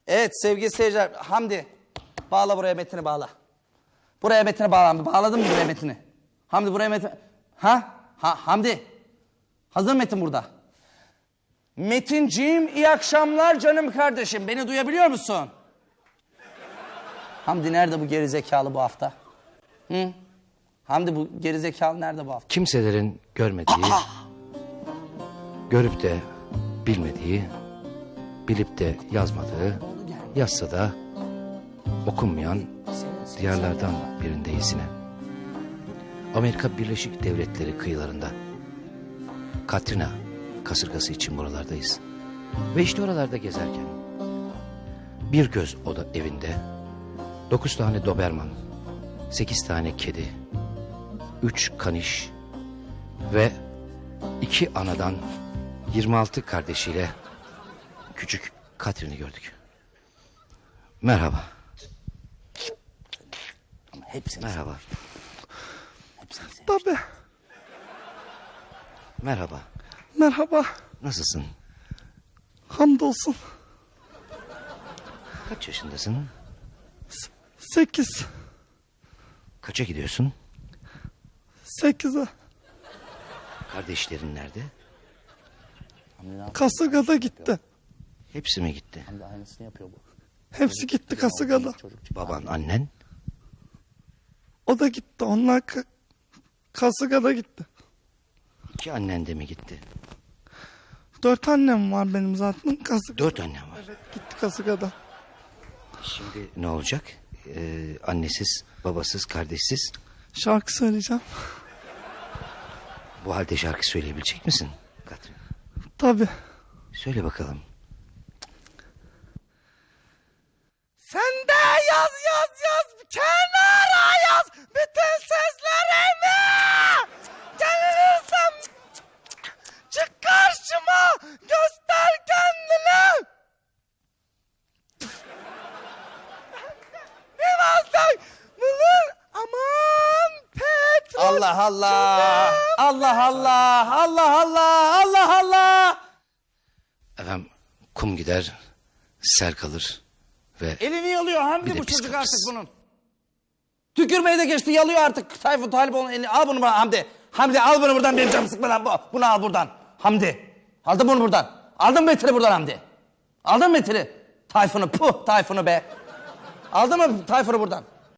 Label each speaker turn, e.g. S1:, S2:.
S1: Evet sevgili seyirciler. Hamdi. Bağla buraya Metin'i bağla. Buraya Metin'i bağla Hamdi. Bağladın mı buraya Metin'i? Hamdi buraya Metin... Hamdi. Hazır Metin burada. Metinciğim iyi akşamlar canım kardeşim. Beni duyabiliyor musun? Hamdi nerede bu gerizekalı bu hafta? Hı? Hamdi bu gerizekalı nerede bu hafta?
S2: Kimselerin görmediği, görüp de bilmediği, bilip de yazmadığı, yazsa da okunmayan diyarlardan birindeyiz yine. Amerika Birleşik Devletleri kıyılarında. Katrina kasırgası için buralardayız. Ve işte oralarda gezerken bir göz oda evinde 9 tane doberman, 8 tane kedi, 3 kaniş ve 2 anadan 26 kardeşiyle küçük Katrin'i gördük. Merhaba.
S1: Hepsini.
S2: Merhaba.
S3: Tabii.
S2: Merhaba.
S3: Merhaba.
S2: Nasılsın?
S3: Hamdolsun.
S2: Kaç yaşındasın?
S3: 8.
S2: Kaça gidiyorsun?
S3: 8'e.
S2: Kardeşlerin nerede?
S3: Kasırgada gitti.
S2: Hepsi mi gitti?
S1: Hamdi aynısını yapıyor bu.
S3: Hepsi gitti kasırgada.
S2: Baban, annen?
S3: O da gitti. Onlar kasırgada gitti.
S2: 2 annen de mi gitti?
S3: 4 annem var benim zaten. Kasırgada.
S2: 4 annen var.
S3: Evet, gitti kasırgada.
S2: Şimdi ne olacak? Annesiz, babasız, kardeşsiz.
S3: Şarkı söyleyeceğim.
S2: Bu halde şarkı söyleyebilecek misin Katrin?
S3: Tabii.
S2: Söyle bakalım.
S3: Sen de yaz kenara yaz bütün sözlerimi. Gelirsen çık karşıma göster kendini. Birazdan bulur aman petrol.
S1: Allah Allah. Allah Allah. Allah Allah. Allah Allah.
S2: Efendim kum gider, sel kalır ve...
S1: Elini yalıyor Hamdi
S2: Bir de
S1: bu
S2: pis
S1: çocuk
S2: kapısı.
S1: artık bunun. Tükürmeyi de geçti yalıyor artık. Tayfun Talip onun elini al bunu bana Hamdi. Hamdi al bunu buradan benim canımı sıkma lan bu. Bunu al buradan. Hamdi. Aldın bunu buradan. Aldın mı Metin'i buradan Hamdi? Aldın mı Metin'i? Tayfun'u puh Tayfun'u be. Aldın mı Tayfun'u buradan?